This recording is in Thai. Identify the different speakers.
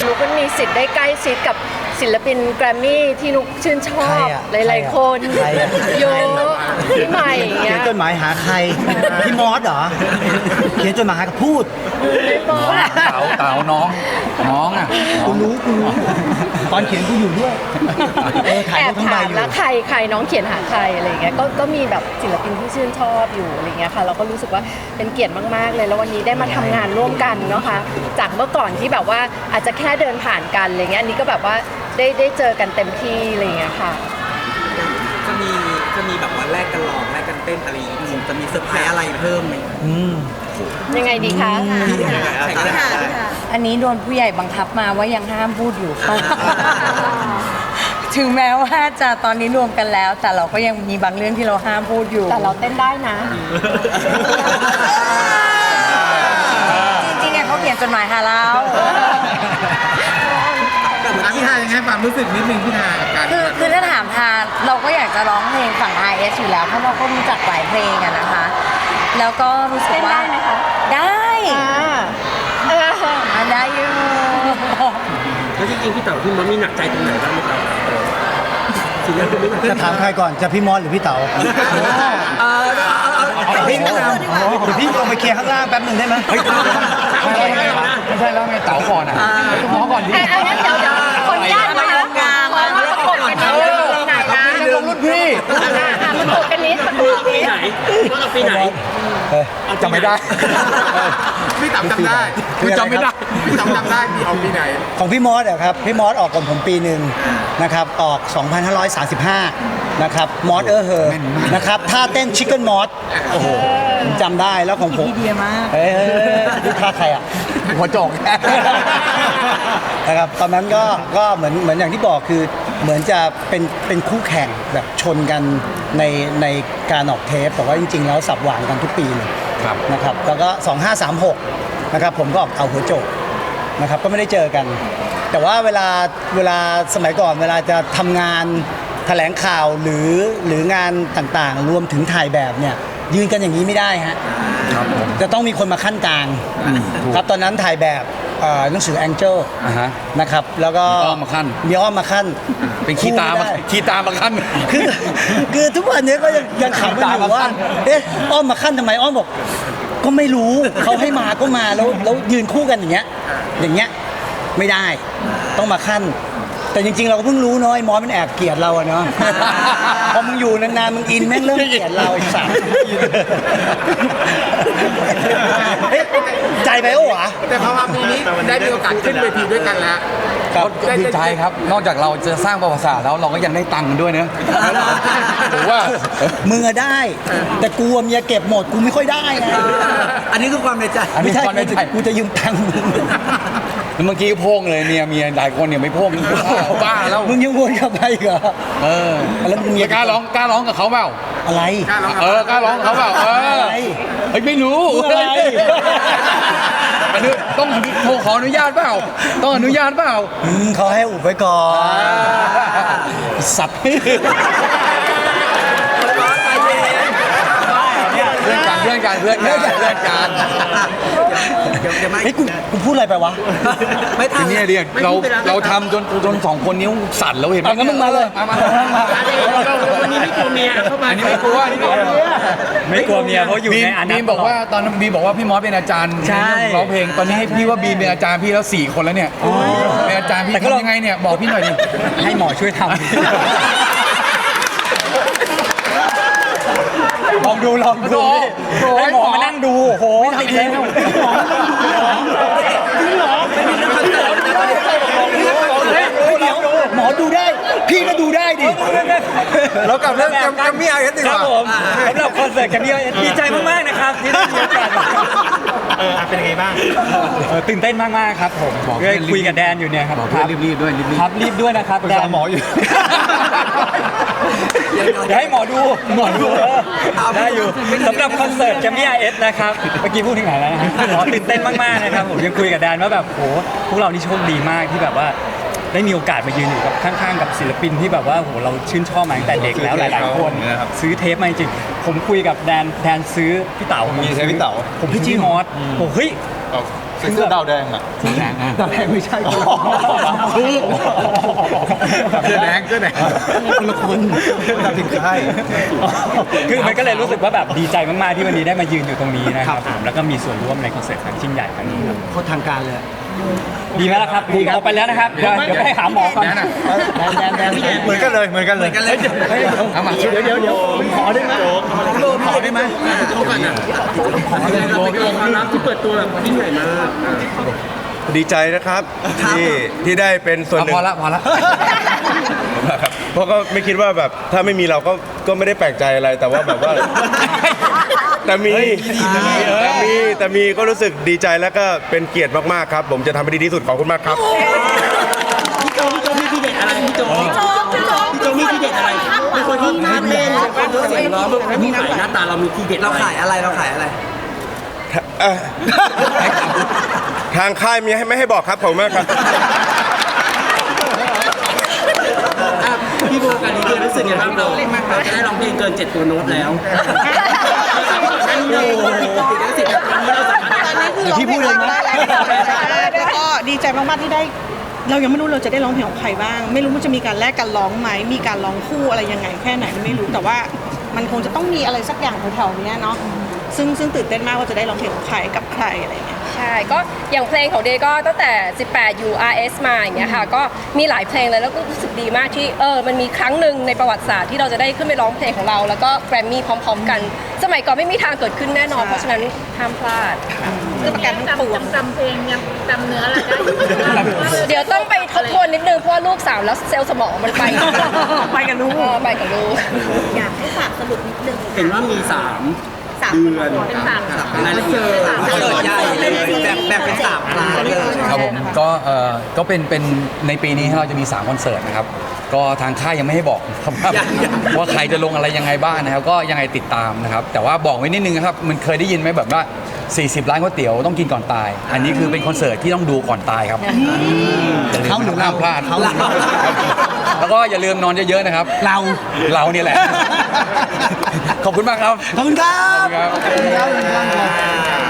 Speaker 1: นุกมันมีสิทธิ์ได้ใกล้ชิดกับศิลปินแกรมมี่ที่นุกชื่นชอบหลายๆคนเยอะพี่ใหม่เงี้
Speaker 2: เขีย
Speaker 1: ย
Speaker 2: นจดหมายหาใครพี่มอสเหรอเขียนจดหมายหาพูด
Speaker 1: ไม่บอก
Speaker 3: เต๋าน้องอ่ะ
Speaker 2: กูรู้ตอนเขียนกูอยู่ด้วยถ่าย
Speaker 1: แอ
Speaker 2: รู
Speaker 1: บ
Speaker 2: ปทั้งใบ
Speaker 1: ถาม
Speaker 2: อยู่
Speaker 1: แล้วใครน้องเขียนหาใครอะไรเงี้ยก็มีแบบศิลปินที่ชื่นชอบอยู่อะไรเงี้ยค่ะเราก็รู้สึกว่าเป็นเกียรติมากๆเลยแล้ววันนี้ได้มาทำงานร่วมกันเนาะค่ะจากเมื่อก่อนที่แบบว่าอาจจะแค่เดินผ่านกันอะไรเงี้ยอันนี้ก็แบบว่าได้เจอกันเต็มที่อะไรเงี้ยค่ะ
Speaker 4: จะมีแบบว่าแลกกันร้องแลกกันเต้นอะไรอย่างงี้จะมีเซอร์ไพรส์อะไรเพิ่มไหม
Speaker 1: ยังไงดีคะ
Speaker 4: แข่งกันได้
Speaker 5: อันนี้โดนผู้ใหญ่บังคับมาว่ายังห้ามพูดอยู่ค่ะ ถึงแม้ว่าจะตอนนี้รวมกันแล้ว แต่เราก็ยังมีบางเรื่องที่เราห้ามพูดอยู่
Speaker 1: แต่เราเต้นได้นะ
Speaker 5: จริงๆเนี่ยเขาเขียนจดหมายหาเรา
Speaker 3: พี่ทายังไงความรู้สึกนิดนึงพี่ทากับการ
Speaker 5: คือถ้าถามทางเราก็อยากจะร้องเพลงฝั่ง RS อยู่แล้วเพราะเราก็รู้จักหลายเพลงอะนะคะ แล้วก็รู้สึกว่า
Speaker 1: เต้นได้ไหมคะ
Speaker 5: ได้ ได้อยู่
Speaker 4: แล้วจริงๆพี่เต๋อพี่มดมีหนักใจตรงไหนบ้างไหมครับสิ่งนั้นคือไม่หนักใจ
Speaker 2: จะถามใครก่อนจะพี่มอสหรือพี่เต๋าพี่เดี๋ยวพี่ลงไปเคลียร์ข้างล่างแป๊บหนึ่งได้ไหม
Speaker 3: ไม่ใช่แล้วไงเต๋าก่อนอ่ะน้องก่อนดิ
Speaker 1: อันนั้นเดี๋ยวคนญาตินะคะขอประกบกันนิดนึงไหนนะ
Speaker 3: ลงรุ่นพี่
Speaker 1: ประกบกันนิดประกบกันนิด
Speaker 4: ว่าเราปีไหน
Speaker 3: จำไม่ได้
Speaker 4: พี่เต๋อจำได้
Speaker 3: คือจำไม่ได้
Speaker 4: พี่เต๋อจำได้พี่เอาปีไหน
Speaker 2: ของพี่มอสอะครับพี่มอสออกก่อนผมปีหนึ่งนะครับออก 2535 นะครับมอสเฮอนะครับท่าเต้นชิคเก้นมอสโอ้โหผมจำได้แล้วของผม
Speaker 5: พี่เดียมาก
Speaker 2: เฮ้ยนี่ท่าใครอ่ะ
Speaker 3: หัวโจก
Speaker 2: นะครับตอนนั้นก็เหมือนอย่างที่บอกคือเหมือนจะเป็นคู่แข่งแบบชนกันในการออกเทปแต่ว่าจริงๆแล้วสับหวานกันทุกปีเลย
Speaker 3: ครับ
Speaker 2: นะครับแล้วก็ 2536 นะครับผมก็ออกเอาหัวโจกนะครับก็ไม่ได้เจอกัน แต่ว่าเวลาสมัยก่อนเวลาจะทำงานแถลงข่าวหรืองานต่างๆ รวมถึงถ่ายแบบเนี่ยยืนกันอย่างนี้ไม่ได้ฮะ
Speaker 3: ครับผม
Speaker 2: จะต้องมีคนมาขั้นกลาง
Speaker 3: ถูก
Speaker 2: ครับตอนนั้นถ่ายแบบหนังสือ Angel
Speaker 3: อ่าฮะ
Speaker 2: นะครับแล้วก็
Speaker 3: มีอ้อมมาขั้น
Speaker 2: มีอ้อมมาขั้น
Speaker 3: เป็นขี้ตามา
Speaker 2: คู่ไได้
Speaker 3: ขี้ตามาขั้น
Speaker 2: คือทุกวันนี้ก็ยังขำกันอยู่ว่าเอ๊ะอ้อมมาขั้นทำไมอ้อมบอกก็ไม่รู้เขาให้มาก็มาแล้วยืนคู่กันอย่างเงี้ยไม่ได้ต้องมาขั้น แต่จริงๆเราก็เพิ่งรู้เนาะไอ้มอสมันแอบเกลียดเราอะเนาะ พอมึงอยู่นานๆมึงอินแม่งเริ่มเกลียดเราไอ้สัสเฮ้ยใจไปโอ้หวะ
Speaker 4: แต่พอมาปีนี้ได้มีโอกาสขึ้นเวทีด้วยกันแล้ว
Speaker 3: ครับดีใจครับ นอกจากเราจะสร้างประวัติศาสตร์แล้วเราก็ยังได้ตังค์กันด้วยเนอะถือว่า
Speaker 2: มึงอะได้ แต่กูอะเมียเก็บหมดกูไม่ค่อยได้ไง
Speaker 4: อันนี้คือความในใจ
Speaker 3: อันนี้
Speaker 2: ไม่ใช่
Speaker 3: ความในใจ
Speaker 2: กูจะยืมตังค์มึง
Speaker 3: เมื่อกี้โพ่งเลยเมียหลายคนเนี่ยไม่โพ่งบ้าแล้ว
Speaker 2: มึงยังวนกลับไปอีกเหรอ
Speaker 3: เออ
Speaker 2: แล้วมึงเมีย
Speaker 3: กล้าร้องกับเขาเปล่า
Speaker 2: อะไร
Speaker 3: กล้าร้องกับเขาเปล่า
Speaker 2: อะไร
Speaker 3: เฮ้ยไม่รู้
Speaker 2: อะไร
Speaker 3: อันนี้ต้องโทรขออนุญาตเปล่าต้องอนุญาตเปล่า
Speaker 2: เขาให้อุบไว้ก่อนสับ
Speaker 3: เพื่อนกัน
Speaker 2: เฮ้ยกูพูดอะไรไปวะ
Speaker 4: ไม่ทั
Speaker 3: ที
Speaker 4: น
Speaker 3: นี้เรียกเราทำจนสองคนนิ้วสั่นแล้วเห็นไหม
Speaker 2: เอางั้นมึงมาเลย
Speaker 3: มา
Speaker 4: วันนี้ไม่กลัวเมียเข้ามา
Speaker 3: อันนี้ไม่กลัวอันนี้ไม่กลัว
Speaker 6: ไม่กลัวเมียเพราะอยู่ในอนัต
Speaker 3: บีมบอกว่าตอนนั้นบีมบอกว่าพี่มอสเป็นอาจารย์
Speaker 6: ใช่
Speaker 3: ในเรื่องร้องเพลงตอนนี้ให้พี่ว่าบีมเป็นอาจารย์พี่แล้ว4 คนแล้วเนี่ยเป็นอาจารย์พี่ทำยังไงเนี่ยบอกพี่หน่อยดิ
Speaker 6: ให้หมอช่วยทำลองดูให้หมอมานั่งดูโอ้โหติดแล้ว
Speaker 2: หมอดูได้ พี่ก็ดูได้ดิ
Speaker 3: เรากลับเรื่องแกรมมี่ไอเอสดี
Speaker 6: ค
Speaker 3: ก
Speaker 6: รับ
Speaker 3: ว่า
Speaker 6: ผมสำหรับคอนเสิร์ตกันนี้ดีใจมากๆนะครับที่ได้มีโอกาส
Speaker 4: เป็นยังไงบ้าง
Speaker 6: ตื่นเต้นมากๆครับผมได้คุยกับแดนอยู่เนี่ยครับ
Speaker 3: รีบด้วย
Speaker 6: ครับรีบด้วยนะครับแดน
Speaker 3: หมออยู่
Speaker 6: เดี๋ยวให้หมอดูได้อยู่สำหรับคอนเสิร์ตแกมมี่ไอเอสนะครับเมื่อกี้พูดถึงไหนแล้วนะหมอตื่นเต้นมากๆนะครับผมยังคุยกับแดนว่าแบบโหพวกเรานี่โชคดีมากที่แบบว่าได้มีโอกาสมายืนอยู่กับข้างๆกับศิลปินที่แบบว่าโหเราชื่นชอบมาตั้งแต่เด็กแล้วหลายๆคนซื้อเทปมาจริงผมคุยกับแดนซื้อพี่เต๋า
Speaker 3: มีใช้พี่เต๋า
Speaker 6: ผมพี่จี้มอสโหเฮ้ย
Speaker 3: ใส่เสื้อดาวแดงอ่ะดาวแดงไม่ใช่เสื้อแดงคนละคนดาวถึงใช่
Speaker 6: คือมันก็เลยรู้สึกว่าแบบดีใจมากๆที่วันนี้ได้มายืนอยู่ตรงนี้นะครับผมแล้วก็มีส่วนร่วมในคอนเสิร์ตครั้งยิ่งใหญ่ครั้งนี้ครับ
Speaker 2: โคตรทางการเลย
Speaker 6: ดีไหมล่ะครับดีเอาไปแล้วนะครับเดี๋ยวไปหาหมอก่อน
Speaker 2: แดน
Speaker 3: เหมือนกันเลยเอามาเดี๋ยวขอได้ไหมขอได้ไหม
Speaker 4: โชว์ก่อนอ่ะเราเป็นความลับที่เปิดตัวแบบยิ่งใหญ่มาก
Speaker 7: ดีใจนะครับที่ได้เป็นส่วนหนึ่ง
Speaker 3: พอละ
Speaker 7: ครับเพราะก็ไม่คิดว่าแบบถ้าไม่มีเราก็ไม่ได้แปลกใจอะไรแต่ว่าแบบว่า แต่มีก็รู้สึกดีใจแล้วก็เป็นเกียรติมากๆครับ ผมจะทำให้ดีที่สุดขอบคุณมากครับ
Speaker 4: พี่โจมีทีเด็ดอะไรพี่โจมีทีเด็ดอะไรเป็นคนที่น่าเล่นเสียงร้องมีขายหน้าตาเรามีทีเด็ดเราขายอะไร
Speaker 7: ทางค่ายมีไม่ให้บอกครับขอบคุณมากครับ
Speaker 4: พี่โบกันดีรู้สึกยังไงบ้างเราจะได้ร้องเพลงเกิน7ตัวโน้ตแล้วนั่นเลยสิ่งที่เราสามารถ
Speaker 8: ตอนนี้คือร้องเพลงได้แล้วก็ดีใจมากๆที่ได้ เรายังไม่รู้เราจะได้ร้องเพลงของใครบ้าง ไม่รู้มันจะมีการแลกกันร้องไหมมีการร้องคู่อะไรยังไงแค่ไหนไม่รู้แต่ว่ามันคงจะต้องมีอะไรสักอย่างแถวๆนี้เนาะซึ่งตื่นเต้นมากว่าจะได้ร้องเพลงของใครกับใครอะไรอย่างเงี้ย
Speaker 9: ใช่ก็อย่างเพลงของเดย์ก็ตั้งแต่ 18 URS มาอย่างเงี้ยค่ะก็มีหลายเพลงเลยแล้วก็รู้สึกดีมากที่มันมีครั้งหนึ่งในประวัติศาสตร์ที่เราจะได้ขึ้นไปร้องเพลงของเราแล้วก็แกรมมี่พร้อมๆกัน สมัยก่อนไม่มีทางเกิดขึ้นแน่นอนเพราะฉะนั้นห้ามพลาด
Speaker 8: คือประกันทั้งปวง
Speaker 10: จำเพลงยังจำเนื้ออะไรได้
Speaker 9: เดี๋ยวต้องไปทบทวนนิดนึงเพราะว่าลูกสาวแล้วเซลล์สมองมันไป
Speaker 8: ไปกับลูก
Speaker 9: ไปกับลูก
Speaker 10: อยากให้ฝากสรุปนิดนึง
Speaker 4: เห็นว่ามี3 เดือน
Speaker 10: เป็นสาม
Speaker 4: รายละเอียด
Speaker 8: ใหญ่เลยแบบเป็น3 ล้านเลย
Speaker 3: ครับผมก็เป็นในปีนี้เราจะมี3คอนเสิร์ตนะครับก็ทางค่ายยังไม่ให้บอกครับว่าใครจะลงอะไรยังไงบ้างนะครับก็ยังไงติดตามนะครับแต่ว่าบอกไว้นิดนึงนะครับมันเคยได้ยินไหมแบบว่า40 ล้านก๋วยเตี๋ยวต้องกินก่อนตาย อันนี้คือเป็นคอนเสิร์ตที่ต้องดูก่อนตายครับเขาหรือห้ามพลาดแล้วก็อย่าลืมนอนเยอะๆนะครับเราเนี่ยแหละขอบคุณมากครับ
Speaker 2: ขอบคุณครับ
Speaker 3: ขอบคุณครับ